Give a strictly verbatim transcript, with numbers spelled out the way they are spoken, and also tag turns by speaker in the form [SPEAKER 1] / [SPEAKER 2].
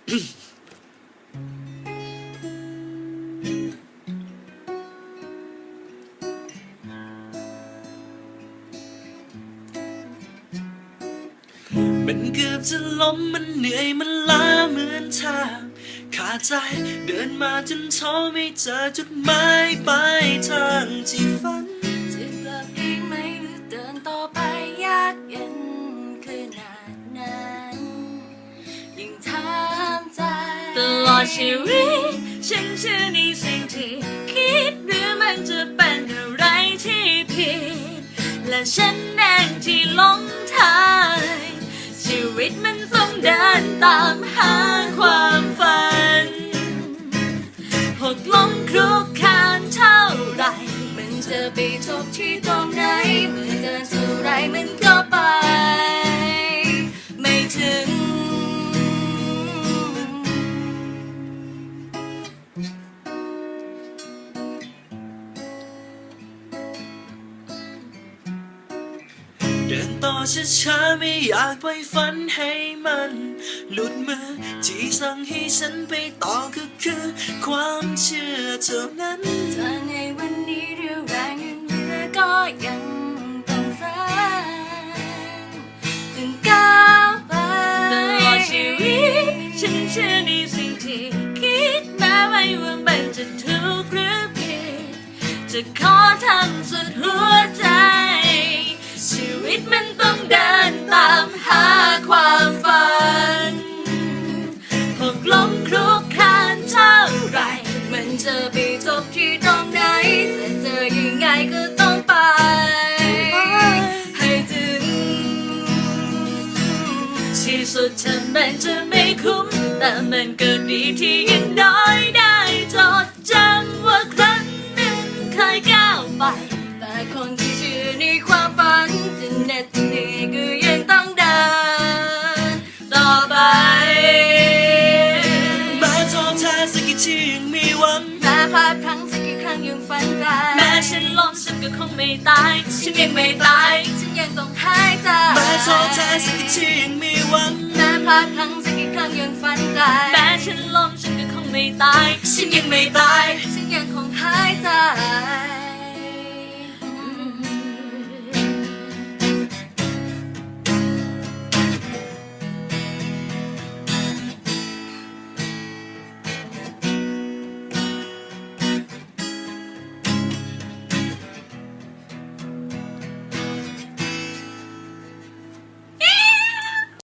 [SPEAKER 1] มันเกือบจะล้มมันเหนื่อยมันล้าเหมือนทางขาดใจเดินมาจนท้อไม่เจอจุดหมายปลายทางที่ฝัน
[SPEAKER 2] จะกลับเองไหมหรือเดินต่อไปยากเย็นขนาดนั้นยิ่งถามใจตลอดชีวิตฉันเชื่อในสิ่งที่คิดหรือมันจะเป็นอะไรที่ผิดและฉันเองที่หลงทางชีวิตมันต้องเดินตามหาความฝันหกล้มคลุกคลานเท่าไรมันจะไปจบที่ตรงไหนเมื่อเดินเท่าไรมันก็ไปไม่ถึง
[SPEAKER 1] เดินต่อช้าๆไม่อยากปล่อยฝันให้มันหลุดมือที่สั่งให้ฉันไปต่อก็คือความเชื่อเท่านั้น
[SPEAKER 2] ถ้าในวันนี้เรี่ยวแรงยังเหลือก็ยังต้องฝันถึงก้าวไปตลอดชีวิตฉันเชื่อในสิ่งที่คิดแม้ไม่ว่ามันจะถูกหรือผิดจะขอทำสุดหัวใจชีวิตมันต้องเดินตามหาความฝันหกล้มคลุกคลานเท่าไรมันจะไปจบที่ตรงไหนแต่เจอยังไงก็ต้องไปให้ถึงที่สุดฉันมันจะไม่คุ้มแต่มันก็ดีที่ยังน้อยได้จดจำว่าครั้งหนึ่งเคยก้าวไปแต่คนที่เชื่อในความฝันจะเหน็ดเหนื่อยก็ยังต้องเดินต่อไป
[SPEAKER 1] แม้ท้อแท้สักกี่ทียังมีหวัง
[SPEAKER 2] แม้พลาดพลั้งสักกี่ครั้งยังฝันไกลแม้ฉันล้มฉันก็คงไม่ตายฉันยังไม่ตายฉันยังต้องหายใจ
[SPEAKER 1] แม้ท้อแท้สักกี่ทียังมีหวัง
[SPEAKER 2] แม้พลาดพลั้งสักกี่ครั้งยังฝันไกลแม้ฉันล้มฉันก็คงไม่ตายฉันยังไม่ตายฉันยังคงหายใจ